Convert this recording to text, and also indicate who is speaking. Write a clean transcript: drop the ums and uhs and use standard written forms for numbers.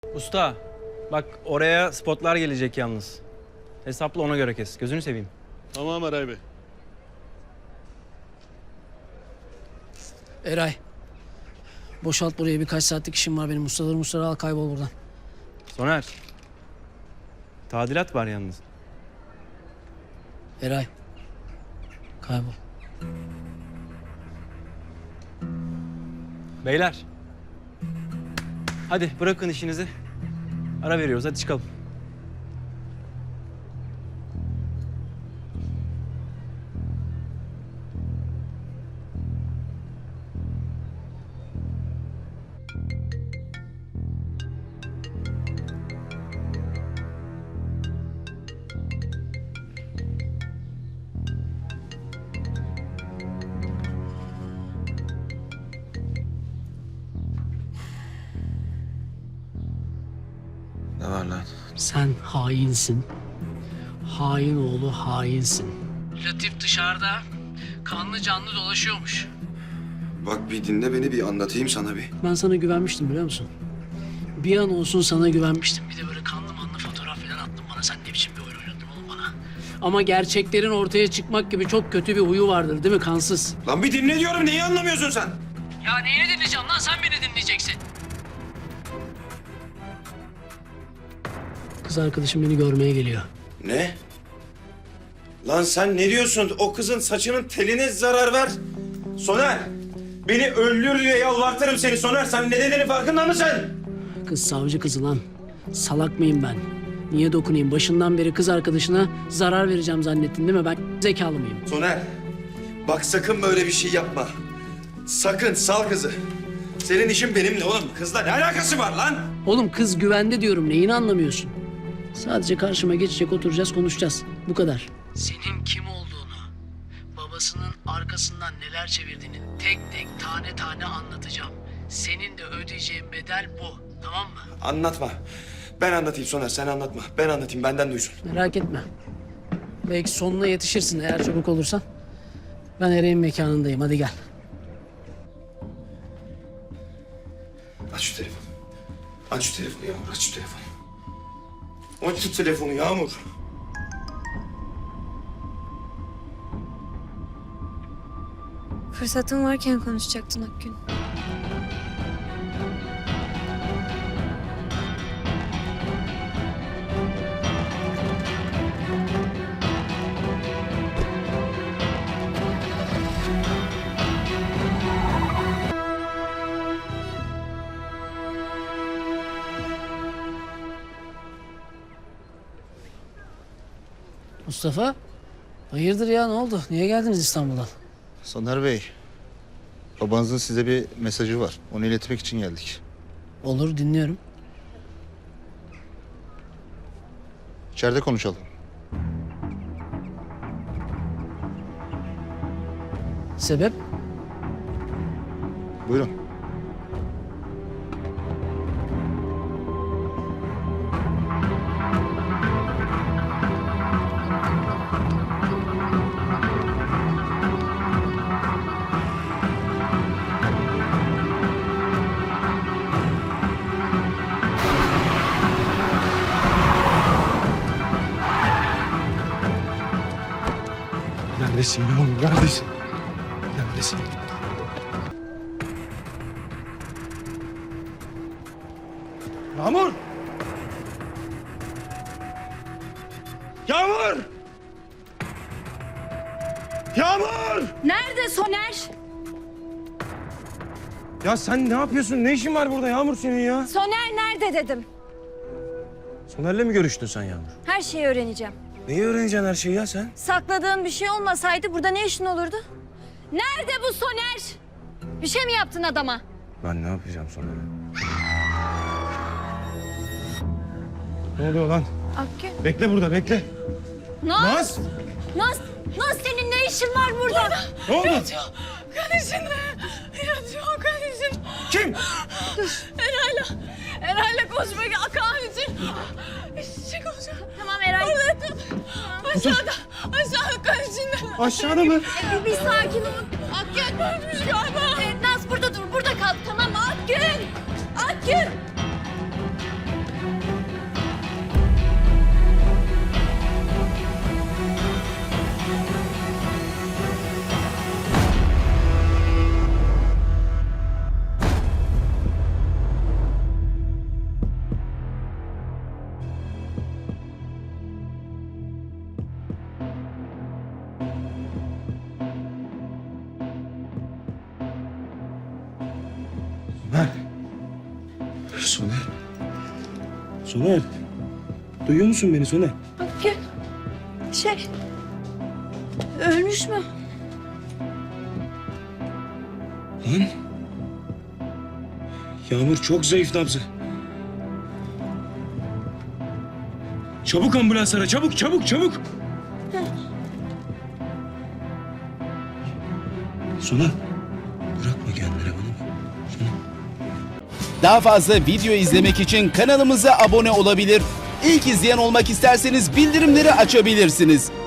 Speaker 1: Usta, bak oraya spotlar gelecek yalnız. Hesapla ona göre kes. Gözünü seveyim.
Speaker 2: Tamam Eray Bey.
Speaker 3: Eray. Boşalt buraya, birkaç saatlik işim var benim. Mustaları al, kaybol buradan.
Speaker 1: Soner. Tadilat var yalnız.
Speaker 3: Eray. Kaybol.
Speaker 1: Beyler. Hadi bırakın işinizi. Ara veriyoruz, hadi çıkalım.
Speaker 4: Ne var lan?
Speaker 3: Sen hainsin. Hain oğlu hainsin. Latif dışarıda kanlı canlı dolaşıyormuş.
Speaker 4: Bak bir dinle beni, bir anlatayım sana bir.
Speaker 3: Ben sana güvenmiştim, biliyor musun? Bir an olsun sana güvenmiştim. Bir de böyle kanlı manlı fotoğraf falan attın bana. Sen ne biçim bir oyun oynadın oğlum bana? Ama gerçeklerin ortaya çıkmak gibi çok kötü bir huyu vardır, değil mi kansız?
Speaker 4: Lan bir dinle diyorum, neyi anlamıyorsun sen?
Speaker 3: Ya neyini dinleyeceğim lan? Sen beni dinleyeceksin. Kız arkadaşım beni görmeye geliyor.
Speaker 4: Ne? Lan sen ne diyorsun? O kızın saçının teline zarar ver. Soner! Beni öldür diye yalvartırım seni Soner. Sen ne dediğinin farkında mısın?
Speaker 3: Kız savcı kızı lan. Salak mıyım ben? Niye dokunayım? Başından beri kız arkadaşına zarar vereceğim zannettin değil mi? Ben zekalı mıyım?
Speaker 4: Soner! Bak sakın böyle bir şey yapma. Sakın, sal kızı. Senin işin benimle oğlum. Kızla ne alakası var lan?
Speaker 3: Oğlum kız güvende diyorum. Neyini anlamıyorsun? Sadece karşıma geçecek, oturacağız, konuşacağız. Bu kadar. Senin kim olduğunu, babasının arkasından neler çevirdiğini tek tek tane tane anlatacağım. Senin de ödeyeceğin bedel bu. Tamam mı?
Speaker 4: Anlatma. Ben anlatayım Soner, sen anlatma. Ben anlatayım, benden duysun.
Speaker 3: Merak etme. Belki sonuna yetişirsin eğer çabuk olursan. Ben Eren'in mekanındayım. Hadi gel.
Speaker 4: Aç şu telefonu. Aç şu telefonu Yağmur, aç şu telefonu. Aç şu telefonu Yağmur.
Speaker 5: Fırsatın varken konuşacaktın Akgün.
Speaker 3: Mustafa, hayırdır ya, ne oldu? Niye geldiniz İstanbul'dan?
Speaker 6: Soner Bey, babanızın size bir mesajı var. Onu iletmek için geldik.
Speaker 3: Olur, dinliyorum.
Speaker 6: İçeride konuşalım.
Speaker 3: Sebep?
Speaker 6: Buyurun.
Speaker 2: Neredesin Yağmur? Neredesin? Neredesin? Yağmur! Yağmur! Yağmur!
Speaker 5: Nerede Soner?
Speaker 2: Ya sen ne yapıyorsun? Ne işin var burada Yağmur senin ya?
Speaker 5: Soner nerede dedim.
Speaker 2: Soner'le mi görüştün sen Yağmur?
Speaker 5: Her şeyi öğreneceğim.
Speaker 2: Neyi öğreneceksin her şeyi ya sen?
Speaker 5: Sakladığın bir şey olmasaydı burada ne işin olurdu? Nerede bu Soner? Bir şey mi yaptın adama?
Speaker 2: Ben ne yapacağım Soner'e? Ne oluyor lan?
Speaker 5: Akgün.
Speaker 2: Bekle burada, bekle.
Speaker 5: Naz! Naz senin ne işin var burada?
Speaker 2: Ne oldu?
Speaker 7: Kardeşinle yatıyor kardeşin.
Speaker 2: Kim?
Speaker 7: Eray'la konuşmaya Kaan için. Çek olacak.
Speaker 5: Tamam Eray.
Speaker 7: Orada tut. Aşağıda kardeşinle.
Speaker 2: Aşağıda mı?
Speaker 5: Bir sakin ol.
Speaker 7: Akgün ölmüş galiba.
Speaker 5: Naz burada dur. Burada kal. Tamam mı? Akgün. Akgün.
Speaker 2: Soner. Duyuyor musun beni Soner?
Speaker 5: Ölmüş mü?
Speaker 2: Lan. Yağmur çok zayıf nabzı. Çabuk ambulans ara, çabuk, çabuk, çabuk. Soner, bırakma kendine bana bak. Soner.
Speaker 8: Daha fazla video izlemek için kanalımıza abone olabilir. İlk izleyen olmak isterseniz bildirimleri açabilirsiniz.